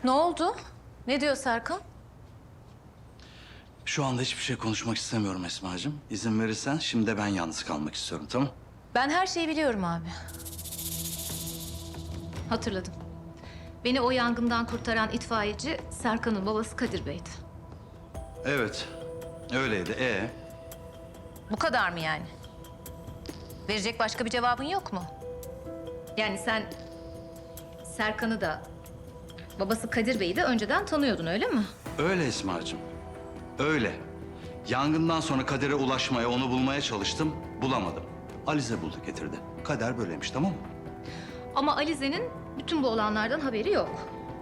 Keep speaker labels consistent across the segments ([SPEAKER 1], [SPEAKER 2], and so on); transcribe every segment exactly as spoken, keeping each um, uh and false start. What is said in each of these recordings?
[SPEAKER 1] Ne oldu? Ne diyor Serkan?
[SPEAKER 2] Şu anda hiçbir şey konuşmak istemiyorum Esma'cığım. İzin verirsen şimdi de ben yalnız kalmak istiyorum, tamam?
[SPEAKER 1] Ben her şeyi biliyorum abi. Hatırladım. Beni o yangından kurtaran itfaiyeci Serkan'ın babası Kadir Bey'di.
[SPEAKER 2] Evet, öyleydi. Ee,
[SPEAKER 1] Bu kadar mı yani? Verecek başka bir cevabın yok mu? Yani sen Serkan'ı da babası Kadir Bey'i de önceden tanıyordun, öyle mi?
[SPEAKER 2] öyle Esma'cığım. Öyle. Yangından sonra Kader'e ulaşmaya, onu bulmaya çalıştım, bulamadım. Alize buldu, getirdi. Kader böyleymiş, tamam mı?
[SPEAKER 1] Ama Alize'nin bütün bu olanlardan haberi yok.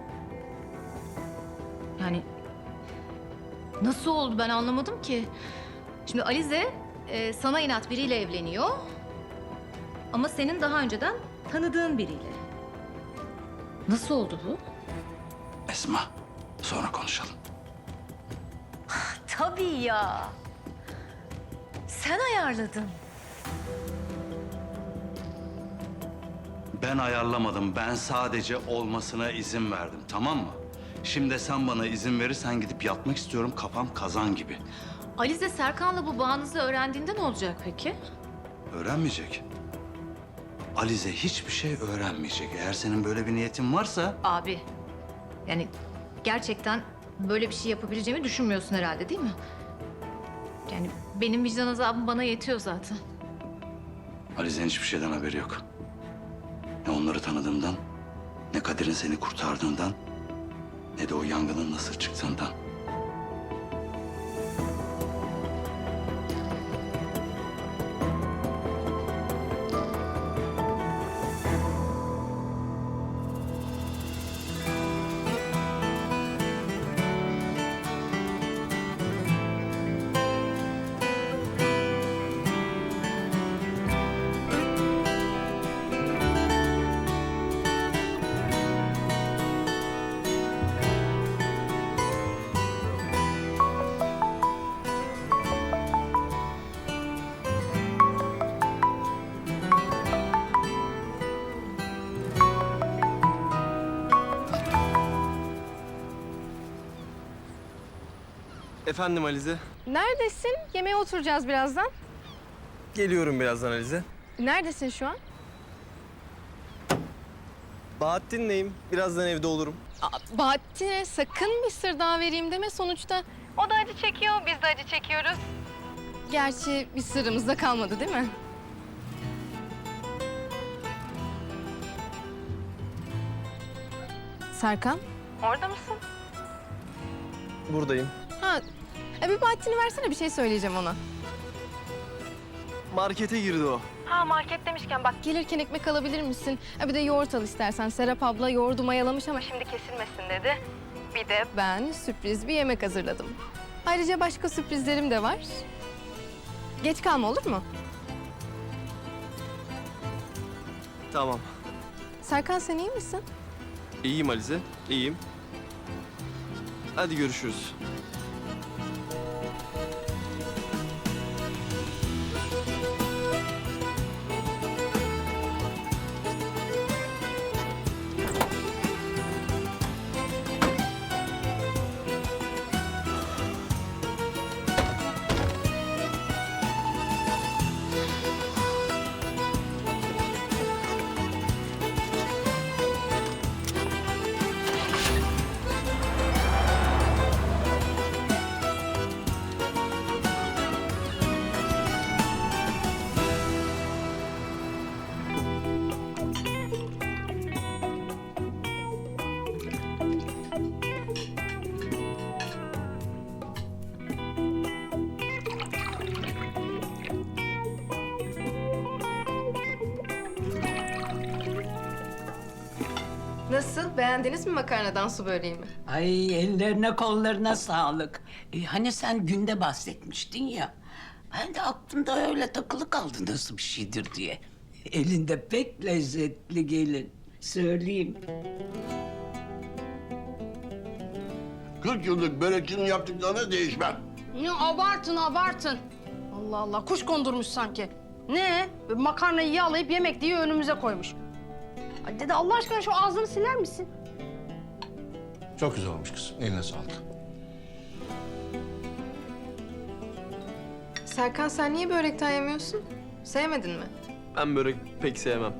[SPEAKER 1] Yani nasıl oldu ben anlamadım ki. Şimdi Alize e, sana inat biriyle evleniyor. Ama senin daha önceden tanıdığın biriyle. Nasıl oldu bu?
[SPEAKER 2] Esma, sonra konuşalım.
[SPEAKER 1] Tabii ya. Sen ayarladın.
[SPEAKER 2] Ben ayarlamadım, ben sadece olmasına izin verdim, tamam mı? Şimdi sen bana izin verirsen gidip yatmak istiyorum, kafam kazan gibi.
[SPEAKER 1] Alize Serkan'la bu bağınızı öğrendiğinde ne olacak peki?
[SPEAKER 2] Öğrenmeyecek. Alize hiçbir şey öğrenmeyecek. Eğer senin böyle bir niyetin varsa...
[SPEAKER 1] Abi, yani gerçekten böyle bir şey yapabileceğimi düşünmüyorsun herhalde, değil mi? Yani benim vicdan azabım bana yetiyor zaten.
[SPEAKER 2] Alize'nin hiçbir şeyden haberi yok. Ne onları tanıdığımdan, ne Kadir'in seni kurtardığından, ne de o yangının nasıl çıktığından.
[SPEAKER 3] Efendim Alize.
[SPEAKER 4] Neredesin? Yemeğe oturacağız birazdan.
[SPEAKER 3] Geliyorum birazdan Alize.
[SPEAKER 4] Neredesin şu an?
[SPEAKER 3] Bahattin'leyim. Birazdan evde olurum.
[SPEAKER 4] Aa, Bahattin'e sakın bir sır daha vereyim deme sonuçta. O da acı çekiyor, biz de acı çekiyoruz. Gerçi bir sırrımız da kalmadı değil mi? Serkan, orada mısın?
[SPEAKER 3] Buradayım.
[SPEAKER 4] Ha, e bir Bahattin'i versene, bir şey söyleyeceğim ona.
[SPEAKER 3] Markete girdi o.
[SPEAKER 4] Ha, market demişken bak, gelirken ekmek alabilir misin? Ha, bir de yoğurt al istersen. Serap abla yoğurdu mayalamış ama şimdi kesilmesin dedi. Bir de ben sürpriz bir yemek hazırladım. Ayrıca başka sürprizlerim de var. Geç kalma, olur mu?
[SPEAKER 3] Tamam.
[SPEAKER 4] Serkan, sen iyi misin?
[SPEAKER 3] İyiyim Alize. İyiyim. Hadi görüşürüz.
[SPEAKER 4] Nasıl? Beğendiniz mi makarnadan su böreğimi?
[SPEAKER 5] Ay ellerine kollarına sağlık. E, hani sen günde bahsetmiştin ya. Ben de aklımda öyle takılı kaldı nasıl bir şeydir diye. Elinde pek lezzetli gelin. Söyleyeyim.
[SPEAKER 6] kırk yıllık börekçinin yaptıklarına değişmem.
[SPEAKER 7] Ya abartın abartın. Allah Allah kuş kondurmuş sanki. Ne? Böyle makarnayı yağlayıp yemek diye önümüze koymuş. Ay dede Allah aşkına şu ağzını siler misin?
[SPEAKER 8] Çok güzel olmuş kızım. Eline sağlık.
[SPEAKER 4] Serkan sen niye börekten yemiyorsun? Sevmedin mi?
[SPEAKER 3] Ben börek pek sevmem.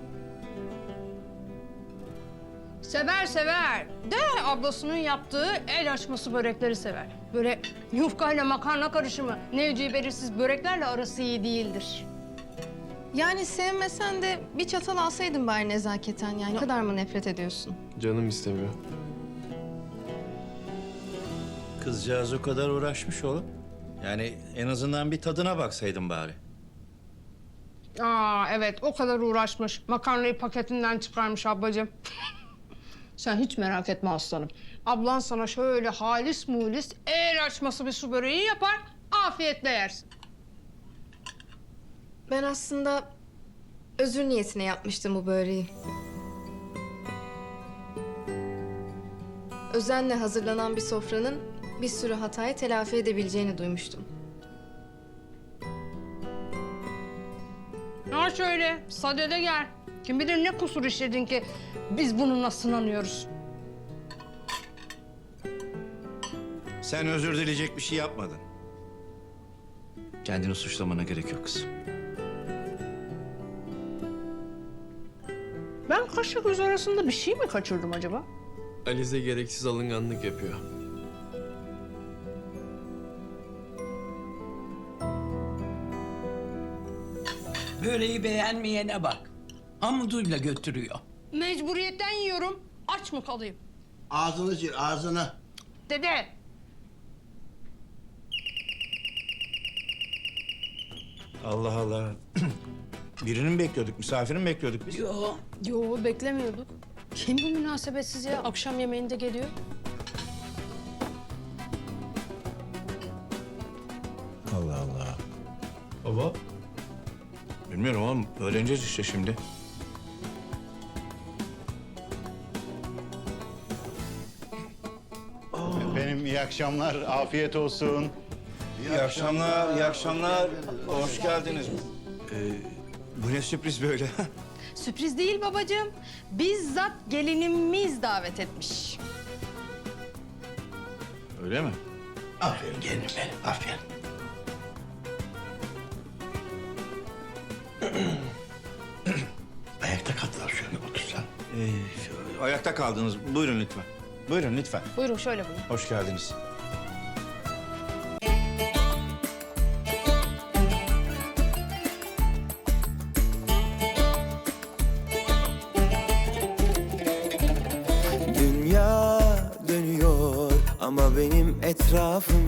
[SPEAKER 7] Sever sever. De ablasının yaptığı el açması börekleri sever. Böyle yufkayla makarna karışımı, nevci belirsiz böreklerle arası iyi değildir.
[SPEAKER 4] Yani sevmesen de bir çatal alsaydın bari nezaketen yani. Ne kadar mı nefret ediyorsun?
[SPEAKER 3] Canım istemiyor.
[SPEAKER 8] Kızcağız o kadar uğraşmış oğlum. Yani en azından bir tadına baksaydın bari.
[SPEAKER 7] Aa evet o kadar uğraşmış. Makarnayı paketinden çıkarmış ablacığım. Sen hiç merak etme aslanım. Ablan sana şöyle halis mulis el açması bir su böreği yapar. Afiyetle yersin.
[SPEAKER 4] Ben aslında özür niyetine yapmıştım bu böreği. Özenle hazırlanan bir sofranın bir sürü hatayı telafi edebileceğini duymuştum.
[SPEAKER 7] Ha şöyle sadede gel. Kim bilir ne kusur işledin ki biz bununla sınanıyoruz.
[SPEAKER 8] Sen özür dileyecek bir şey yapmadın. Kendini suçlamana gerek yok kızım.
[SPEAKER 7] Ben kaşla göz arasında bir şey mi kaçırdım acaba?
[SPEAKER 3] Alize gereksiz alınganlık yapıyor.
[SPEAKER 5] Böreği beğenmeyene bak. Hamuduyla götürüyor.
[SPEAKER 7] Mecburiyetten yiyorum. Aç mı kalayım?
[SPEAKER 6] Ağzını sil, ağzını.
[SPEAKER 7] Dede.
[SPEAKER 8] Allah Allah. Birini mi bekliyorduk? Misafirini mi bekliyorduk biz?
[SPEAKER 5] Yo.
[SPEAKER 7] Yo beklemiyorduk. Kim bu münasebetsiz ya? Akşam yemeğinde geliyor.
[SPEAKER 8] Allah Allah. Baba? Bilmiyorum oğlum. Öğreneceğiz işte şimdi.
[SPEAKER 9] Benim iyi akşamlar, afiyet olsun.
[SPEAKER 8] İyi akşamlar, iyi akşamlar. Hoş geldiniz. Ee, bu ne sürpriz böyle?
[SPEAKER 7] Sürpriz değil babacığım. Bizzat gelinimiz davet etmiş.
[SPEAKER 8] Öyle mi?
[SPEAKER 6] Aferin gelinim benim, aferin. Ayakta kaldılar şöyle otursan.
[SPEAKER 8] Ee, şu- ayakta kaldınız. Buyurun lütfen. Buyurun lütfen.
[SPEAKER 7] Buyurun şöyle buyurun.
[SPEAKER 8] Hoş geldiniz.
[SPEAKER 10] Dünya dönüyor ama benim etrafım